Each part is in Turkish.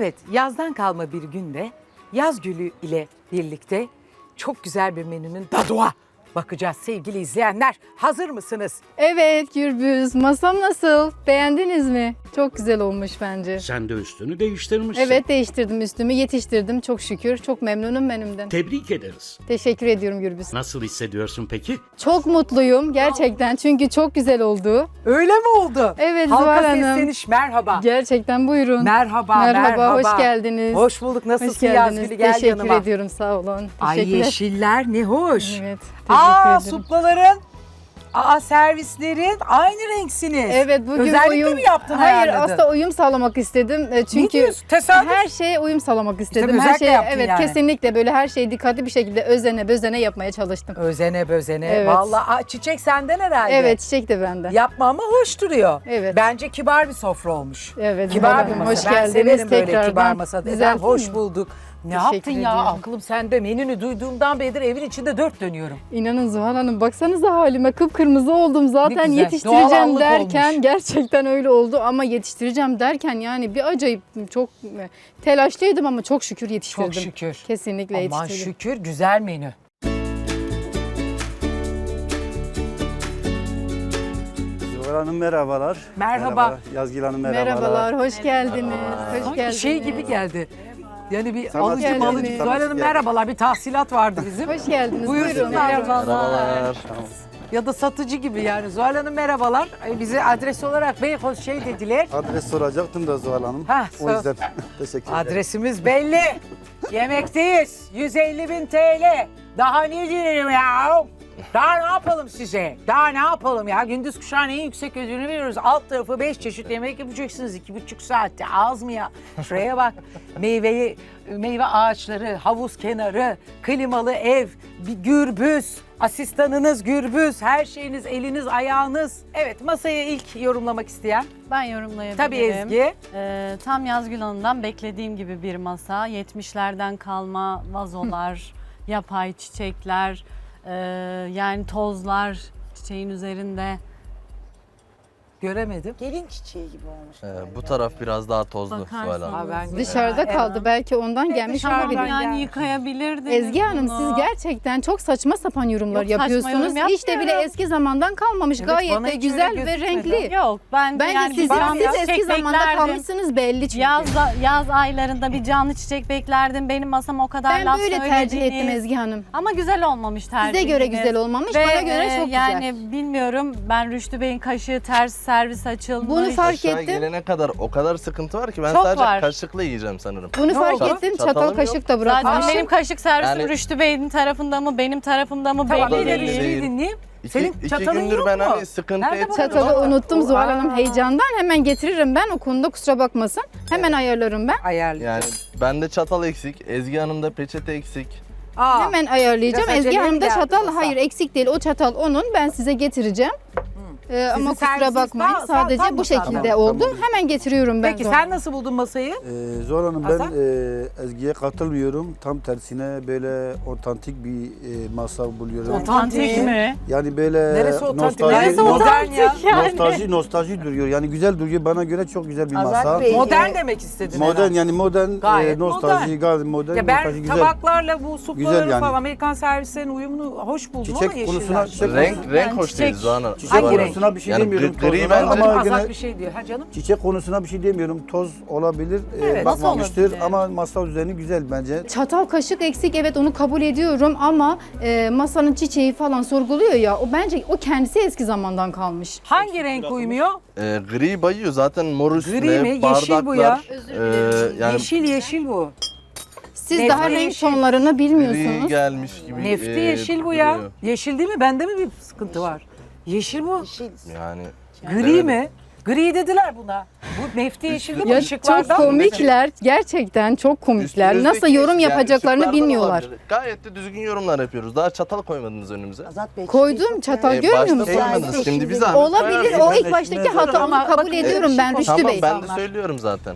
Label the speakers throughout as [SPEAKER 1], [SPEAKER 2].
[SPEAKER 1] Evet, yazdan kalma bir günde yaz gülü ile birlikte çok güzel bir menünün tadına bakacağız sevgili izleyenler. Hazır mısınız?
[SPEAKER 2] Evet Gürbüz, masam nasıl? Beğendiniz mi? Çok güzel olmuş bence.
[SPEAKER 3] Sen de üstünü değiştirmişsin.
[SPEAKER 2] Evet değiştirdim üstümü, yetiştirdim çok şükür. Çok memnunum menümden.
[SPEAKER 3] Tebrik ederiz.
[SPEAKER 2] Teşekkür ediyorum Gürbüz.
[SPEAKER 3] Nasıl hissediyorsun peki?
[SPEAKER 2] Çok mutluyum gerçekten çünkü çok güzel oldu.
[SPEAKER 1] Öyle mi oldu?
[SPEAKER 2] Evet,
[SPEAKER 1] Halka
[SPEAKER 2] Zuhal Hanım.
[SPEAKER 1] sesleniş merhaba.
[SPEAKER 2] Gerçekten buyurun.
[SPEAKER 1] Merhaba,
[SPEAKER 2] Merhaba, hoş geldiniz.
[SPEAKER 1] Hoş bulduk. Nasılsın
[SPEAKER 2] Hoş geldiniz.
[SPEAKER 1] Yazgül'ü? Gel
[SPEAKER 2] Teşekkür
[SPEAKER 1] yanıma.
[SPEAKER 2] ediyorum, sağ olun.
[SPEAKER 1] Ay
[SPEAKER 2] Teşekkürler.
[SPEAKER 1] yeşiller ne hoş.
[SPEAKER 2] Evet, teşekkür
[SPEAKER 1] Aa
[SPEAKER 2] ederim.
[SPEAKER 1] suplaların, servislerin aynı renksiniz.
[SPEAKER 2] Evet bugün
[SPEAKER 1] Özellikle
[SPEAKER 2] uyum...
[SPEAKER 1] mi yaptın,
[SPEAKER 2] Hayır
[SPEAKER 1] ayarladın?
[SPEAKER 2] aslında uyum sağlamak istedim. Çünkü
[SPEAKER 1] diyorsun? Tesadüf.
[SPEAKER 2] her şeye uyum sağlamak istedim. Her
[SPEAKER 1] özellikle
[SPEAKER 2] şeye
[SPEAKER 1] yaptın
[SPEAKER 2] evet
[SPEAKER 1] yani.
[SPEAKER 2] kesinlikle böyle her şeyi dikkatli bir şekilde özene bözene yapmaya çalıştım.
[SPEAKER 1] Özene bözene.
[SPEAKER 2] Evet.
[SPEAKER 1] Vallahi çiçek senden herhalde.
[SPEAKER 2] Evet çiçek de bende.
[SPEAKER 1] Yapma ama hoş duruyor.
[SPEAKER 2] Evet.
[SPEAKER 1] Bence kibar bir sofra olmuş.
[SPEAKER 2] Evet,
[SPEAKER 1] Kibar
[SPEAKER 2] Zuhal
[SPEAKER 1] bir
[SPEAKER 2] Hanım,
[SPEAKER 1] masa.
[SPEAKER 2] hoş
[SPEAKER 1] Ben
[SPEAKER 2] geldiniz
[SPEAKER 1] severim böyle
[SPEAKER 2] tekrardan.
[SPEAKER 1] kibar masada.
[SPEAKER 2] Güzel
[SPEAKER 1] Efendim, hoş
[SPEAKER 2] değil mi?
[SPEAKER 1] bulduk. Ne
[SPEAKER 2] Teşekkür
[SPEAKER 1] yaptın ya?
[SPEAKER 2] ediyorum.
[SPEAKER 1] Aklım sende. Menünü duyduğumdan beridir evin içinde dört dönüyorum.
[SPEAKER 2] İnanın Zuhal Hanım baksanıza halime kıpkırmızı oldum zaten
[SPEAKER 1] güzel,
[SPEAKER 2] yetiştireceğim
[SPEAKER 1] doğallık
[SPEAKER 2] derken
[SPEAKER 1] olmuş.
[SPEAKER 2] gerçekten öyle oldu ama yetiştireceğim derken yani bir acayip çok telaşlıydım ama çok şükür yetiştirdim.
[SPEAKER 1] Çok şükür.
[SPEAKER 2] Kesinlikle
[SPEAKER 1] Aman
[SPEAKER 2] yetiştirdim.
[SPEAKER 1] şükür güzel menü.
[SPEAKER 4] Zuhal Hanım merhabalar.
[SPEAKER 1] Merhaba.
[SPEAKER 4] Yazgül Hanım merhabalar.
[SPEAKER 2] Merhabalar, hoş geldiniz. Hoş
[SPEAKER 1] Sanki
[SPEAKER 2] geldiniz.
[SPEAKER 1] şey gibi geldi. Yani bir
[SPEAKER 4] Sanat
[SPEAKER 1] alıcı
[SPEAKER 2] geldiniz.
[SPEAKER 1] malıcı. Zuhal Hanım merhabalar. Bir tahsilat vardı bizim.
[SPEAKER 2] Hoş geldiniz.
[SPEAKER 1] Buyursunlar.
[SPEAKER 2] Buyurun.
[SPEAKER 5] Merhabalar.
[SPEAKER 1] Ya da satıcı gibi yani. Zuhal Hanım merhabalar. Bize adres olarak Beykoz şey dediler.
[SPEAKER 4] Adres soracaktım da Zuhal Hanım.
[SPEAKER 1] Hah,
[SPEAKER 4] O yüzden teşekkür ederim.
[SPEAKER 1] Adresimiz belli. Yemekteyiz. 150.000 TL. Daha ne diyelim ya? Daha ne yapalım size? Daha ne yapalım ya? Gündüz kuşağın en yüksek ödülünü veriyoruz. Alt tarafı 5 çeşit yemek yapacaksınız 2,5 saatte. Az mı ya? Şuraya bak. Meyve ağaçları, havuz kenarı, klimalı ev, bir gürbüz, asistanınız gürbüz, her şeyiniz, eliniz, ayağınız. Evet, masayı ilk yorumlamak isteyen.
[SPEAKER 5] Ben yorumlayabilirim.
[SPEAKER 1] Tabii Ezgi.
[SPEAKER 5] Tam Yazgül Hanım'dan beklediğim gibi bir masa. 70'lerden kalma vazolar, yapay çiçekler, yani tozlar çiçeğin üzerinde.
[SPEAKER 1] Göremedim.
[SPEAKER 6] Gelin çiçeği gibi olmuş.
[SPEAKER 7] Bu taraf biraz daha tozlu
[SPEAKER 5] Bakarsanız.
[SPEAKER 7] Zuhal Hanım.
[SPEAKER 1] Ha, ben
[SPEAKER 2] Dışarıda
[SPEAKER 1] Evet.
[SPEAKER 2] kaldı belki ondan gelmiş
[SPEAKER 1] dışarıdan
[SPEAKER 2] olabilir.
[SPEAKER 1] gelmiş.
[SPEAKER 5] Yani yıkayabilirdiniz
[SPEAKER 2] Ezgi Hanım
[SPEAKER 5] bunu.
[SPEAKER 2] siz gerçekten çok saçma sapan yorumlar
[SPEAKER 5] Yok, saçma
[SPEAKER 2] yapıyorsunuz.
[SPEAKER 5] yorum
[SPEAKER 2] Hiç de bile
[SPEAKER 5] yapmıyorum.
[SPEAKER 2] eski zamandan kalmamış.
[SPEAKER 1] Evet,
[SPEAKER 2] Gayet
[SPEAKER 1] bana
[SPEAKER 2] de
[SPEAKER 1] hiç
[SPEAKER 2] güzel
[SPEAKER 1] öyle
[SPEAKER 2] ve
[SPEAKER 1] gözükmedi.
[SPEAKER 2] renkli.
[SPEAKER 5] Yok ben
[SPEAKER 2] Bence
[SPEAKER 5] yani
[SPEAKER 2] siz
[SPEAKER 5] canlı
[SPEAKER 2] eski
[SPEAKER 5] çiçek
[SPEAKER 2] zamanda
[SPEAKER 5] beklerdim.
[SPEAKER 2] kalmışsınız belli çünkü.
[SPEAKER 5] Yaz aylarında bir canlı çiçek beklerdim. Benim masam o kadar
[SPEAKER 2] Ben
[SPEAKER 5] laf
[SPEAKER 2] böyle tercih ettim Ezgi Hanım.
[SPEAKER 5] Ama güzel olmamış tercihiniz.
[SPEAKER 2] Size göre güzel olmamış,
[SPEAKER 5] Ve,
[SPEAKER 2] bana göre çok
[SPEAKER 5] yani
[SPEAKER 2] güzel.
[SPEAKER 5] bilmiyorum ben Rüştü Bey'in kaşığı ters servis açılmış.
[SPEAKER 2] Bunu fark
[SPEAKER 7] Aşağı
[SPEAKER 2] ettim.
[SPEAKER 7] gelene kadar o kadar sıkıntı var ki ben
[SPEAKER 5] Çok
[SPEAKER 7] sadece
[SPEAKER 5] var.
[SPEAKER 7] kaşıkla yiyeceğim sanırım.
[SPEAKER 2] Bunu
[SPEAKER 1] Ne
[SPEAKER 2] fark
[SPEAKER 1] oldu?
[SPEAKER 2] ettim.
[SPEAKER 7] Çatalım
[SPEAKER 2] Çatal
[SPEAKER 7] yok.
[SPEAKER 2] kaşık da
[SPEAKER 5] Zaten
[SPEAKER 2] bırakmışım.
[SPEAKER 5] benim kaşık servisim
[SPEAKER 7] Yani-
[SPEAKER 5] Rüştü Bey'in tarafında mı benim tarafımda mı
[SPEAKER 1] Tamam,
[SPEAKER 5] belli
[SPEAKER 1] bir de
[SPEAKER 7] belli
[SPEAKER 1] bir şey
[SPEAKER 7] değil.
[SPEAKER 1] dinleyeyim.
[SPEAKER 7] İki,
[SPEAKER 1] Senin
[SPEAKER 7] iki
[SPEAKER 1] çatalın
[SPEAKER 7] gündür
[SPEAKER 1] yok
[SPEAKER 7] ben
[SPEAKER 1] mu?
[SPEAKER 7] hani sıkıntı
[SPEAKER 1] Nerede
[SPEAKER 7] etmiyorum.
[SPEAKER 2] Çatalı
[SPEAKER 7] ama-
[SPEAKER 2] unuttum Zuhal Hanım
[SPEAKER 1] Aa.
[SPEAKER 2] heyecandan. Hemen getiririm ben. O konuda kusura bakmasın. Hemen ayarlarım ben.
[SPEAKER 1] Ayarlayacağım.
[SPEAKER 7] Yani bende çatal eksik, Ezgi Hanım'da peçete eksik.
[SPEAKER 1] Aa,
[SPEAKER 2] Hemen ayarlayacağım.
[SPEAKER 1] Biraz
[SPEAKER 2] Ezgi
[SPEAKER 1] aceleye
[SPEAKER 2] Hanım da
[SPEAKER 1] geldi
[SPEAKER 2] çatal.
[SPEAKER 1] masa.
[SPEAKER 2] Hayır eksik değil. O çatal onun. Ben size getireceğim. Ama kusura
[SPEAKER 1] servisiniz
[SPEAKER 2] bakmayın.
[SPEAKER 1] tam
[SPEAKER 2] Sadece
[SPEAKER 1] mı
[SPEAKER 2] bu şekilde
[SPEAKER 4] Tamam,
[SPEAKER 2] oldu.
[SPEAKER 4] tamam.
[SPEAKER 2] Hemen getiriyorum ben.
[SPEAKER 1] Peki
[SPEAKER 2] Zuhal
[SPEAKER 1] sen
[SPEAKER 2] Hanım.
[SPEAKER 1] nasıl buldun masayı?
[SPEAKER 4] Zuhal Hanım
[SPEAKER 1] Hasan?
[SPEAKER 4] ben Ezgi'ye katılmıyorum. Tam tersine böyle otantik bir masa buluyorum.
[SPEAKER 5] Otantik mi?
[SPEAKER 4] Yani böyle
[SPEAKER 1] Neresi otantik?
[SPEAKER 4] nostalji,
[SPEAKER 1] Neresi modern ya?
[SPEAKER 4] nostalji duruyor. Yani güzel duruyor. Bana göre çok güzel bir masa.
[SPEAKER 6] Azat Bey,
[SPEAKER 1] Modern demek istedin
[SPEAKER 4] Modern
[SPEAKER 1] herhalde.
[SPEAKER 4] yani modern
[SPEAKER 1] Gayet
[SPEAKER 4] nostalji, gayet modern,
[SPEAKER 1] Ya
[SPEAKER 4] nostalji
[SPEAKER 1] ben
[SPEAKER 4] güzel.
[SPEAKER 1] tabaklarla bu suplaları
[SPEAKER 4] Güzel yani.
[SPEAKER 1] falan Amerikan servislerinin uyumunu hoş buldum
[SPEAKER 4] Çiçek
[SPEAKER 1] ama yeşiller.
[SPEAKER 4] konusuna çiçek,
[SPEAKER 7] Renk hoş
[SPEAKER 5] çiçek-
[SPEAKER 7] değil Zuhal Hanım.
[SPEAKER 4] çiçek
[SPEAKER 7] Zuhal Hanım.
[SPEAKER 4] konusuna bir şey
[SPEAKER 7] Yani
[SPEAKER 4] demiyorum.
[SPEAKER 7] gri
[SPEAKER 4] tozuna
[SPEAKER 7] bence-
[SPEAKER 4] ama
[SPEAKER 1] Azat
[SPEAKER 4] gene
[SPEAKER 1] bir şey diyor. Ha canım?
[SPEAKER 4] çiçek konusuna bir şey demiyorum. Toz olabilir.
[SPEAKER 1] Evet,
[SPEAKER 5] nasıl
[SPEAKER 4] bakmamıştır
[SPEAKER 5] olabilir?
[SPEAKER 4] ama masa düzeni güzel bence.
[SPEAKER 2] Çatal kaşık eksik evet onu kabul ediyorum ama masanın çiçeği falan sorguluyor ya o bence o kendisi eski zamandan kalmış.
[SPEAKER 1] Hangi renk uymuyor?
[SPEAKER 7] Gri bayıyor zaten mor üstüne,
[SPEAKER 1] Gri mi?
[SPEAKER 7] bardaklar.
[SPEAKER 1] Yeşil bu ya.
[SPEAKER 7] Yani
[SPEAKER 1] Yeşil bu.
[SPEAKER 2] Siz
[SPEAKER 1] Nefti
[SPEAKER 2] daha renk
[SPEAKER 1] yeşil.
[SPEAKER 2] tonlarını
[SPEAKER 7] gri
[SPEAKER 2] bilmiyorsunuz.
[SPEAKER 7] gelmiş gibi.
[SPEAKER 1] Nefti yeşil bu ya.
[SPEAKER 7] duruyor.
[SPEAKER 1] Yeşil değil mi? Bende mi bir sıkıntı var? Yeşil bu.
[SPEAKER 6] yeşil.
[SPEAKER 7] Yani
[SPEAKER 1] Gri mi? Gri dediler buna. Bu nefti yeşil değil mi?
[SPEAKER 2] Ya
[SPEAKER 1] Işıklardan
[SPEAKER 2] çok
[SPEAKER 1] mı?
[SPEAKER 2] komikler gerçekten çok komikler.
[SPEAKER 7] üstünüzdeki
[SPEAKER 2] Nasıl yorum
[SPEAKER 7] yani
[SPEAKER 2] yapacaklarını
[SPEAKER 7] ışıklardan
[SPEAKER 2] bilmiyorlar.
[SPEAKER 7] olabilir. Gayet de düzgün yorumlar yapıyoruz. Daha çatal koymadınız önümüze.
[SPEAKER 6] Azat Bey,
[SPEAKER 2] Koydum
[SPEAKER 6] çiçeği
[SPEAKER 2] çatal
[SPEAKER 6] çok
[SPEAKER 2] görmüyor
[SPEAKER 7] Başta
[SPEAKER 2] musun?
[SPEAKER 7] koymadınız. Şimdi bir zahmet
[SPEAKER 2] Olabilir
[SPEAKER 7] koyarsınız.
[SPEAKER 2] o ilk baştaki hata
[SPEAKER 1] Ama
[SPEAKER 2] onu kabul
[SPEAKER 1] bakın,
[SPEAKER 2] ediyorum ben
[SPEAKER 1] ışık
[SPEAKER 2] Rüştü
[SPEAKER 7] Tamam
[SPEAKER 2] Bey.
[SPEAKER 7] ben de söylüyorum zaten.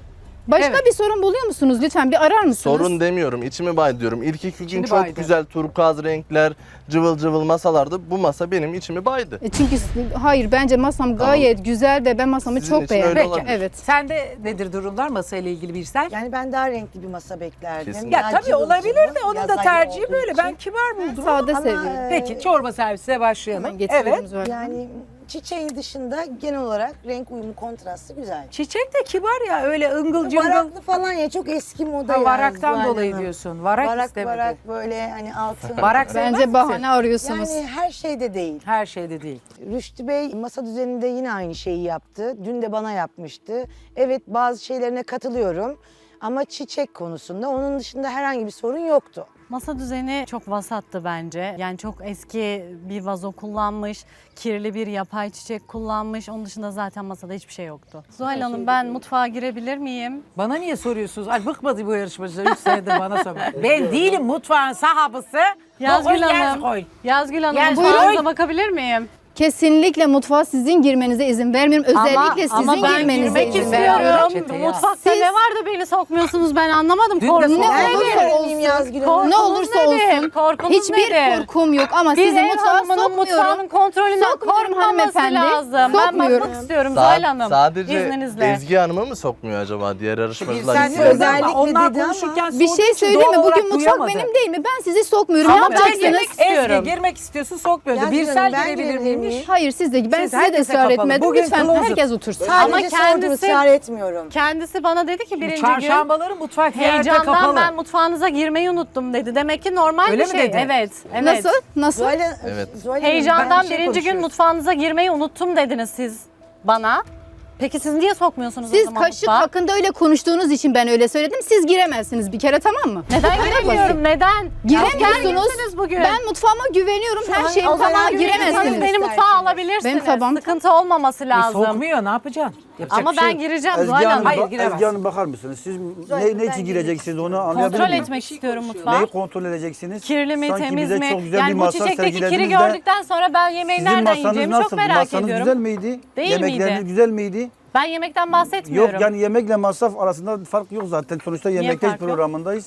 [SPEAKER 2] Başka
[SPEAKER 1] Evet.
[SPEAKER 2] bir sorun buluyor musunuz? Lütfen bir arar mısınız?
[SPEAKER 7] Sorun demiyorum, içimi bay diyorum. İlk 2 gün
[SPEAKER 1] İçini
[SPEAKER 7] çok
[SPEAKER 1] baydı.
[SPEAKER 7] güzel turkuaz renkler, cıvıl cıvıl masalardı. Bu masa benim içimi baydı.
[SPEAKER 2] Çünkü hayır bence masam gayet güzel ve ben masamı
[SPEAKER 7] Sizin
[SPEAKER 2] çok
[SPEAKER 7] için öyle
[SPEAKER 2] beğendim.
[SPEAKER 7] olabilir.
[SPEAKER 2] Evet.
[SPEAKER 1] Sende nedir durumlar masayla ilgili Birsel?
[SPEAKER 6] Yani ben daha renkli bir masa beklerdim.
[SPEAKER 7] Kesinlikle.
[SPEAKER 1] Ya
[SPEAKER 6] Daha
[SPEAKER 1] tabii
[SPEAKER 6] cıvıl
[SPEAKER 1] olabilir
[SPEAKER 6] cıvıl,
[SPEAKER 1] de onun
[SPEAKER 6] yaz
[SPEAKER 1] da
[SPEAKER 6] ayı
[SPEAKER 1] tercihi
[SPEAKER 6] olduğu
[SPEAKER 1] böyle.
[SPEAKER 6] için.
[SPEAKER 1] Ben kibar buldum.
[SPEAKER 2] Sade
[SPEAKER 6] Ama,
[SPEAKER 2] seviyorum.
[SPEAKER 1] Peki çorba servisine başlayalım.
[SPEAKER 2] Hemen getiriyorum
[SPEAKER 1] Evet.
[SPEAKER 2] Zuhal Hanım.
[SPEAKER 6] Yani çiçeğin dışında genel olarak renk uyumu, kontrastı güzel.
[SPEAKER 1] Çiçek de kibar ya öyle ıngıl cıngıl.
[SPEAKER 6] Varaklı falan ya, çok eski moda
[SPEAKER 1] Ha,
[SPEAKER 6] ya.
[SPEAKER 1] varaktan
[SPEAKER 6] Zuhal
[SPEAKER 1] dolayı
[SPEAKER 6] Hanım.
[SPEAKER 1] diyorsun. Varak,
[SPEAKER 6] Varak
[SPEAKER 1] istemedi.
[SPEAKER 6] varak böyle hani altın.
[SPEAKER 1] Varak sevmez
[SPEAKER 2] Bence
[SPEAKER 1] misin?
[SPEAKER 2] bahane arıyorsunuz.
[SPEAKER 6] Yani her şeyde değil.
[SPEAKER 1] Her şeyde değil.
[SPEAKER 6] Rüştü Bey masa düzeninde yine aynı şeyi yaptı. Dün de bana yapmıştı. Evet, bazı şeylerine katılıyorum. Ama çiçek konusunda onun dışında herhangi bir sorun yoktu.
[SPEAKER 5] Masa düzeni çok vasattı bence. Yani çok eski bir vazo kullanmış, kirli bir yapay çiçek kullanmış. Onun dışında zaten masada hiçbir şey yoktu. Zuhal Hanım, ben mutfağa girebilir miyim?
[SPEAKER 1] Bana niye soruyorsunuz? Ay bıkmadı bu yarışmacılar 3 senedir bana soruyor. Ben değilim mutfağın sahabısı.
[SPEAKER 5] Yazgül
[SPEAKER 1] Koy,
[SPEAKER 5] Hanım,
[SPEAKER 1] koy.
[SPEAKER 5] Yazgül Hanım,
[SPEAKER 1] Gel,
[SPEAKER 5] mutfağınıza
[SPEAKER 1] buyurun.
[SPEAKER 5] bakabilir miyim?
[SPEAKER 2] Kesinlikle mutfağa sizin girmenize izin vermiyorum. Özellikle
[SPEAKER 5] ama
[SPEAKER 2] sizin
[SPEAKER 5] ben
[SPEAKER 2] girmenize
[SPEAKER 5] girmek
[SPEAKER 2] izin
[SPEAKER 5] istiyorum.
[SPEAKER 2] vermiyorum.
[SPEAKER 1] Çeteye al.
[SPEAKER 5] Mutfakta
[SPEAKER 2] Siz-
[SPEAKER 5] ne var da beni sokmuyorsunuz, ben anlamadım.
[SPEAKER 1] Dün de
[SPEAKER 5] Korkunuz
[SPEAKER 1] sokmadım.
[SPEAKER 2] Ne
[SPEAKER 5] nedir?
[SPEAKER 2] olursa
[SPEAKER 6] Miyim
[SPEAKER 2] olsun.
[SPEAKER 6] Yazgül Hanım?
[SPEAKER 5] Korkunuz
[SPEAKER 2] Ne olursa
[SPEAKER 5] nedir?
[SPEAKER 2] olsun.
[SPEAKER 5] Korkunuz
[SPEAKER 2] Hiçbir
[SPEAKER 5] nedir?
[SPEAKER 2] korkum yok ama
[SPEAKER 5] Bir
[SPEAKER 2] sizi
[SPEAKER 5] ev
[SPEAKER 2] mutfağa
[SPEAKER 5] hanımının mutfağının
[SPEAKER 2] sokmuyorum.
[SPEAKER 5] kontrolünden
[SPEAKER 2] Sokmuyorum
[SPEAKER 5] korkmaması
[SPEAKER 2] hanımefendi.
[SPEAKER 5] lazım. Ben
[SPEAKER 2] Sokmuyorum.
[SPEAKER 5] bakmak istiyorum Zuhal Hanım.
[SPEAKER 7] Sadece
[SPEAKER 5] İzninizle.
[SPEAKER 7] Ezgi Hanım'ı mı sokmuyor acaba diğer yarışmacılar?
[SPEAKER 1] Sen
[SPEAKER 7] gibi?
[SPEAKER 1] de
[SPEAKER 6] özellikle
[SPEAKER 1] onlar
[SPEAKER 6] dedi ama
[SPEAKER 1] konuşurken
[SPEAKER 2] Bir
[SPEAKER 1] sorduğu
[SPEAKER 2] şey
[SPEAKER 1] için
[SPEAKER 2] söyleyeyim mi?
[SPEAKER 1] doğal olarak
[SPEAKER 2] Bugün mutfak
[SPEAKER 1] duyamadı.
[SPEAKER 2] benim değil mi? Ben sizi sokmuyorum. Ne
[SPEAKER 1] Ama
[SPEAKER 2] yapacaksınız?
[SPEAKER 5] girmek istiyorum.
[SPEAKER 1] Ezgi girmek istiyorsun sokmuyordu.
[SPEAKER 6] Yazgül
[SPEAKER 1] Birsel
[SPEAKER 6] Hanım, ben
[SPEAKER 1] girebilir
[SPEAKER 6] girebilir
[SPEAKER 1] miymiş?
[SPEAKER 6] miyim?
[SPEAKER 2] Hayır siz de ben
[SPEAKER 1] Siz
[SPEAKER 2] size de
[SPEAKER 1] herkese
[SPEAKER 2] ısrar
[SPEAKER 1] kapalı.
[SPEAKER 2] etmedim.
[SPEAKER 1] Bugün
[SPEAKER 2] Lütfen
[SPEAKER 1] closet.
[SPEAKER 2] herkes otursun.
[SPEAKER 6] Sadece
[SPEAKER 5] Ama
[SPEAKER 6] sordum,
[SPEAKER 5] kendisi-
[SPEAKER 6] ısrar etmiyorum.
[SPEAKER 5] Kendisi bana dedi ki birinci gün
[SPEAKER 1] Çarşambaları mutfak yerde
[SPEAKER 5] heyecandan
[SPEAKER 1] kapalı.
[SPEAKER 5] ben mutfağınıza girmeyi unuttum dedi. Demek ki normal
[SPEAKER 1] Öyle
[SPEAKER 5] bir
[SPEAKER 1] mi
[SPEAKER 5] şey.
[SPEAKER 1] dedi?
[SPEAKER 5] Evet. Evet.
[SPEAKER 2] Nasıl? Nasıl?
[SPEAKER 6] Zuhal,
[SPEAKER 7] Evet.
[SPEAKER 6] Zuhal Hanım,
[SPEAKER 5] Heyecandan
[SPEAKER 1] Ben bir şey
[SPEAKER 5] birinci gün
[SPEAKER 1] konuşuyoruz.
[SPEAKER 5] mutfağınıza girmeyi unuttum dediniz siz bana. Peki siz niye sokmuyorsunuz o
[SPEAKER 2] Siz
[SPEAKER 5] zaman
[SPEAKER 2] kaşık
[SPEAKER 5] mutfağa?
[SPEAKER 2] hakkında öyle konuştuğunuz için ben öyle söyledim. Siz giremezsiniz bir kere, tamam mı?
[SPEAKER 5] Neden
[SPEAKER 2] Bu kadar
[SPEAKER 5] giremiyorum?
[SPEAKER 2] basit.
[SPEAKER 5] Neden?
[SPEAKER 2] Giremiyorsunuz.
[SPEAKER 5] Gerginsiniz bugün.
[SPEAKER 2] Ben mutfağıma güveniyorum. Her
[SPEAKER 6] an
[SPEAKER 2] şeyim
[SPEAKER 6] o zaman
[SPEAKER 2] tamam,
[SPEAKER 6] giremiyorsanız
[SPEAKER 2] giremezsiniz.
[SPEAKER 5] Beni mutfağa
[SPEAKER 6] İsterseniz.
[SPEAKER 5] alabilirsiniz.
[SPEAKER 2] Benim tabağım-
[SPEAKER 5] Sıkıntı olmaması lazım.
[SPEAKER 1] Sokmuyor ne yapacaksın? Yapacak
[SPEAKER 5] Ama
[SPEAKER 1] bir şey
[SPEAKER 5] ben
[SPEAKER 1] yok.
[SPEAKER 5] gireceğim
[SPEAKER 4] Ezgi
[SPEAKER 5] Zuhal
[SPEAKER 4] Hanım,
[SPEAKER 5] Hanım.
[SPEAKER 1] Hayır, giremez.
[SPEAKER 4] Ezgi Hanım bakar mısınız? Siz ne için gireceksiniz onu anlayabilir
[SPEAKER 5] Kontrol
[SPEAKER 4] miyim?
[SPEAKER 5] etmek istiyorum mutfağı.
[SPEAKER 4] Neyi kontrol edeceksiniz?
[SPEAKER 5] Kirli mi,
[SPEAKER 4] Sanki
[SPEAKER 5] temiz
[SPEAKER 4] bize
[SPEAKER 5] mi?
[SPEAKER 4] çok güzel bir
[SPEAKER 5] Yani bu
[SPEAKER 4] masa
[SPEAKER 5] çiçekteki kiri
[SPEAKER 4] sergilediniz de
[SPEAKER 5] gördükten sonra ben yemeği
[SPEAKER 4] sizin
[SPEAKER 5] nereden
[SPEAKER 4] masanız
[SPEAKER 5] yiyeceğimi
[SPEAKER 4] nasıl?
[SPEAKER 5] çok merak
[SPEAKER 4] Masanız
[SPEAKER 5] ediyorum.
[SPEAKER 4] güzel miydi?
[SPEAKER 5] Değil
[SPEAKER 4] Yemekleriniz
[SPEAKER 5] miydi?
[SPEAKER 4] güzel miydi?
[SPEAKER 5] Ben yemekten bahsetmiyorum.
[SPEAKER 4] Yok yani yemekle masraf arasında fark yok zaten. Sonuçta yemekteyiz
[SPEAKER 5] fark yok?
[SPEAKER 4] programındayız.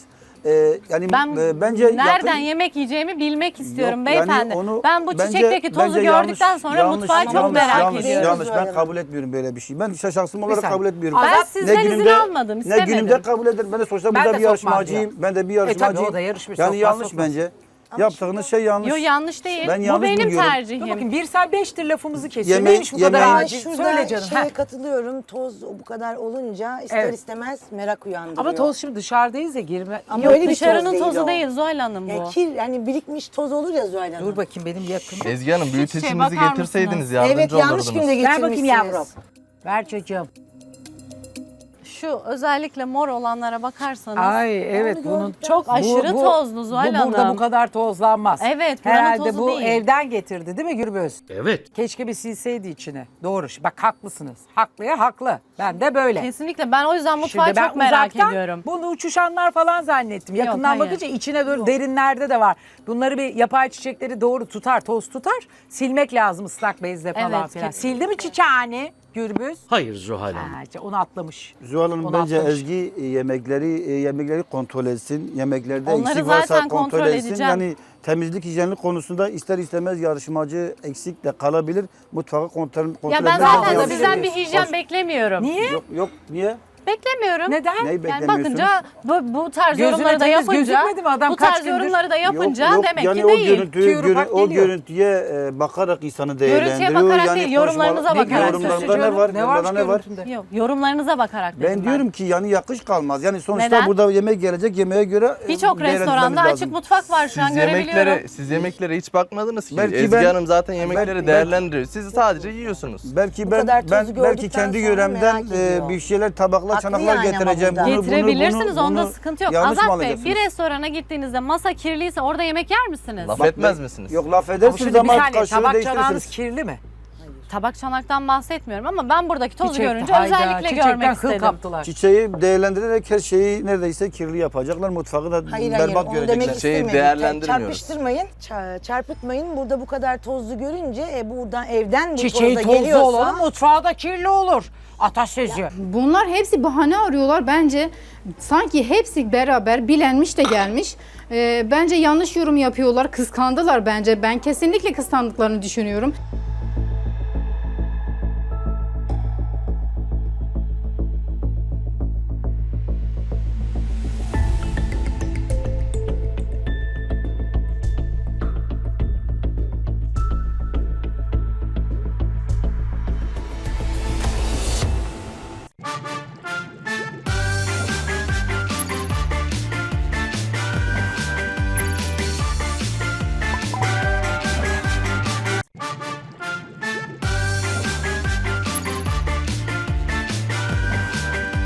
[SPEAKER 4] Yani
[SPEAKER 5] Ben
[SPEAKER 4] bence
[SPEAKER 5] nereden yemek yiyeceğimi bilmek istiyorum
[SPEAKER 4] Yok,
[SPEAKER 5] beyefendi.
[SPEAKER 4] yani onu
[SPEAKER 5] Ben bu
[SPEAKER 4] bence-
[SPEAKER 5] çiçekteki tozu
[SPEAKER 4] bence
[SPEAKER 5] gördükten
[SPEAKER 4] yanlış,
[SPEAKER 5] sonra
[SPEAKER 4] yanlış,
[SPEAKER 5] mutfağı çok
[SPEAKER 4] yanlış,
[SPEAKER 5] merak
[SPEAKER 4] yanlış,
[SPEAKER 5] ediyorum.
[SPEAKER 4] Yanlış, ben
[SPEAKER 6] Zuhal
[SPEAKER 4] kabul etmiyorum böyle bir şey. Ben şahsım olarak
[SPEAKER 1] saniye.
[SPEAKER 4] kabul etmiyorum.
[SPEAKER 5] Ben
[SPEAKER 1] Azat,
[SPEAKER 5] sizden izin almadım,
[SPEAKER 4] Ne
[SPEAKER 5] istemedim.
[SPEAKER 4] günümde kabul ederim. Ben de sonuçta
[SPEAKER 1] Ben
[SPEAKER 4] burada
[SPEAKER 1] de
[SPEAKER 4] bir
[SPEAKER 1] sokmam
[SPEAKER 4] yarışmacıyım. Ben de bir
[SPEAKER 1] tabii
[SPEAKER 4] yarışmacıyım.
[SPEAKER 1] o da yarışmış,
[SPEAKER 4] Yani
[SPEAKER 1] sokmaz,
[SPEAKER 4] yanlış
[SPEAKER 1] sokmaz.
[SPEAKER 4] bence. Yaptığınız şey yanlış.
[SPEAKER 5] Yok yanlış değil.
[SPEAKER 4] Ben
[SPEAKER 5] Bu
[SPEAKER 4] yanlış
[SPEAKER 5] benim
[SPEAKER 4] buluyorum.
[SPEAKER 1] Dur
[SPEAKER 5] tercihim.
[SPEAKER 1] bakayım Birsel 5'tir lafımızı kesiyor.
[SPEAKER 4] Yemeği-
[SPEAKER 1] Neymiş bu kadar
[SPEAKER 4] yemeği-
[SPEAKER 1] acil?
[SPEAKER 6] Şurada
[SPEAKER 1] Söyle canım.
[SPEAKER 6] şeye
[SPEAKER 1] Heh.
[SPEAKER 6] katılıyorum. Toz bu kadar olunca ister
[SPEAKER 1] Evet.
[SPEAKER 6] istemez merak uyandırıyor.
[SPEAKER 1] Ama toz şimdi dışarıdayız ya girme.
[SPEAKER 6] Ama
[SPEAKER 5] Yok
[SPEAKER 6] öyle bir toz
[SPEAKER 5] dışarının
[SPEAKER 6] değil
[SPEAKER 5] tozu
[SPEAKER 6] o.
[SPEAKER 5] değil Zuhal Hanım bu.
[SPEAKER 6] Ya kir, yani birikmiş toz olur ya Zuhal Hanım.
[SPEAKER 1] Dur bakayım benim yakın.
[SPEAKER 7] Ezgi Hanım büyüteçinizi
[SPEAKER 5] bakar
[SPEAKER 7] getirseydiniz
[SPEAKER 5] mısınız?
[SPEAKER 7] yardımcı
[SPEAKER 6] Evet, yanlış
[SPEAKER 7] olurdunuz.
[SPEAKER 6] günde
[SPEAKER 1] Ver
[SPEAKER 6] getirmişsiniz.
[SPEAKER 1] bakayım yavrum. Ver çocuğum.
[SPEAKER 5] Şu özellikle mor olanlara bakarsanız
[SPEAKER 1] Ay evet
[SPEAKER 6] Onu
[SPEAKER 1] bunun
[SPEAKER 6] gördükten
[SPEAKER 5] çok aşırı tozlu Zuhal Hanım.
[SPEAKER 1] Burada bu kadar tozlanmaz.
[SPEAKER 5] Evet, buranın
[SPEAKER 1] Herhalde
[SPEAKER 5] tozu
[SPEAKER 1] bu
[SPEAKER 5] değil.
[SPEAKER 1] evden getirdi değil mi Gürbüz?
[SPEAKER 3] Evet.
[SPEAKER 1] Keşke bir silseydi içine. Doğru. Bak haklısınız. Haklıya haklı. Ben de böyle.
[SPEAKER 5] Kesinlikle ben o yüzden mutfağı
[SPEAKER 1] Şimdi ben
[SPEAKER 5] çok merak
[SPEAKER 1] uzaktan
[SPEAKER 5] ediyorum.
[SPEAKER 1] bunu uçuşanlar falan zannettim. Yakından
[SPEAKER 5] hayır.
[SPEAKER 1] bakınca içine doğru derinlerde de var. Bunları bir yapay çiçekleri doğru tutar, toz tutar. Silmek lazım ıslak bezle falan
[SPEAKER 5] Evet,
[SPEAKER 1] filan.
[SPEAKER 5] kesinlikle.
[SPEAKER 1] Sildi mi çiçeğini Gürbüz?
[SPEAKER 3] Hayır Zuhal Hanım.
[SPEAKER 1] Ha, işte onu atlamış.
[SPEAKER 4] Zuhal Hanım
[SPEAKER 1] Onu
[SPEAKER 4] bence
[SPEAKER 1] atlamış.
[SPEAKER 4] Ezgi yemekleri kontrol etsin. Yemeklerde
[SPEAKER 5] Onları
[SPEAKER 4] eksik varsa
[SPEAKER 5] zaten
[SPEAKER 4] kontrol
[SPEAKER 5] kontrol
[SPEAKER 4] etsin.
[SPEAKER 5] edeceğim.
[SPEAKER 4] Yani temizlik hijyenlik konusunda ister istemez yarışmacı eksik de kalabilir. Mutfağı kontrol
[SPEAKER 5] Ya ben
[SPEAKER 4] etmek
[SPEAKER 5] zaten
[SPEAKER 1] olabilir.
[SPEAKER 5] sizden bir hijyen beklemiyorum.
[SPEAKER 1] Niye?
[SPEAKER 4] Yok niye?
[SPEAKER 5] Beklemiyorum.
[SPEAKER 1] Neden?
[SPEAKER 4] Neyi
[SPEAKER 5] Yani
[SPEAKER 4] beklemiyorsunuz?
[SPEAKER 5] bakınca bu tarz
[SPEAKER 1] Gözüne
[SPEAKER 5] yorumları da
[SPEAKER 1] temiz
[SPEAKER 5] yapınca,
[SPEAKER 1] gözükmedi mi adam
[SPEAKER 5] bu
[SPEAKER 1] kaç
[SPEAKER 5] tarz
[SPEAKER 1] gündür?
[SPEAKER 5] yorumları da yapınca
[SPEAKER 4] Yok,
[SPEAKER 5] demek
[SPEAKER 4] yani
[SPEAKER 5] ki
[SPEAKER 4] o
[SPEAKER 5] değil.
[SPEAKER 1] Tüyürü
[SPEAKER 4] görüntüye bakarak insanı değerlendiriyor.
[SPEAKER 5] bakarak
[SPEAKER 4] yani
[SPEAKER 5] değil, yorumlarınıza
[SPEAKER 4] konuşmalar-
[SPEAKER 5] bakarak.
[SPEAKER 4] Yorumlarında ne var?
[SPEAKER 1] Ne varmış
[SPEAKER 4] Yorumlarda ne var?
[SPEAKER 1] görüntümde?
[SPEAKER 5] Yok, yorumlarınıza bakarak dedim
[SPEAKER 4] Ben diyorum ki yani yakış kalmaz. Yani sonuçta
[SPEAKER 5] Neden?
[SPEAKER 4] burada yemek gelecek, yemeğe göre
[SPEAKER 5] Birçok
[SPEAKER 4] değerlendirmemiz
[SPEAKER 5] restoranda
[SPEAKER 4] lazım.
[SPEAKER 5] açık mutfak var şu an görebiliyorum.
[SPEAKER 7] Siz yemeklere hiç bakmadınız ki.
[SPEAKER 4] Belki
[SPEAKER 7] Ezgi
[SPEAKER 4] ben-
[SPEAKER 7] Hanım zaten yemekleri
[SPEAKER 4] belki-
[SPEAKER 7] değerlendiriyor. Siz sadece yiyorsunuz.
[SPEAKER 4] Belki
[SPEAKER 6] Bu
[SPEAKER 4] ben
[SPEAKER 6] kadar tozu
[SPEAKER 4] belki
[SPEAKER 6] gördükten
[SPEAKER 4] kendi
[SPEAKER 6] sonra
[SPEAKER 4] yöremden
[SPEAKER 6] merak ediyor.
[SPEAKER 4] bir şeyler tabaklar,
[SPEAKER 6] Haklı
[SPEAKER 4] çanaklar
[SPEAKER 6] yani ama
[SPEAKER 4] getireceğim.
[SPEAKER 6] burada.
[SPEAKER 5] Getirebilirsiniz, onda
[SPEAKER 4] bunu
[SPEAKER 5] sıkıntı yok.
[SPEAKER 4] yanlış mı
[SPEAKER 5] Azat Bey,
[SPEAKER 4] alacaksınız?
[SPEAKER 5] bir restorana gittiğinizde masa kirliyse orada yemek yer misiniz?
[SPEAKER 7] Laf
[SPEAKER 4] Bak,
[SPEAKER 7] etmez misiniz?
[SPEAKER 4] Yok laf
[SPEAKER 1] Ama
[SPEAKER 4] edersiniz
[SPEAKER 1] şimdi bir
[SPEAKER 4] ama
[SPEAKER 1] saniye
[SPEAKER 4] kaşığı
[SPEAKER 1] tabak çanağınız
[SPEAKER 4] değiştirirsiniz.
[SPEAKER 1] kirli mi?
[SPEAKER 5] tabak çanaktan bahsetmiyorum ama ben buradaki tozu
[SPEAKER 1] Çiçek-
[SPEAKER 5] görünce
[SPEAKER 1] hayda,
[SPEAKER 5] özellikle
[SPEAKER 1] çiçekten
[SPEAKER 5] görmek
[SPEAKER 1] kıl
[SPEAKER 5] istedim.
[SPEAKER 1] kaptılar.
[SPEAKER 4] Çiçeği değerlendirerek her şeyi neredeyse kirli yapacaklar. Mutfağı da
[SPEAKER 6] Hayır
[SPEAKER 4] berbat
[SPEAKER 6] onu
[SPEAKER 4] görecekler.
[SPEAKER 6] demek
[SPEAKER 7] Çiçeği
[SPEAKER 6] istemedim.
[SPEAKER 7] değerlendirmiyoruz.
[SPEAKER 6] Çarpıştırmayın, çarpıtmayın. Burada bu kadar tozlu görünce buradan evden bu
[SPEAKER 1] Çiçeği
[SPEAKER 6] toz da
[SPEAKER 1] tozlu
[SPEAKER 6] geliyorsa...
[SPEAKER 1] olur, mutfağı da kirli olur. Atasözü.
[SPEAKER 2] Bunlar hepsi bahane arıyorlar. Bence sanki hepsi beraber bilenmiş de gelmiş. Bence yanlış yorum yapıyorlar. Kıskandılar bence. Ben kesinlikle kıskandıklarını düşünüyorum.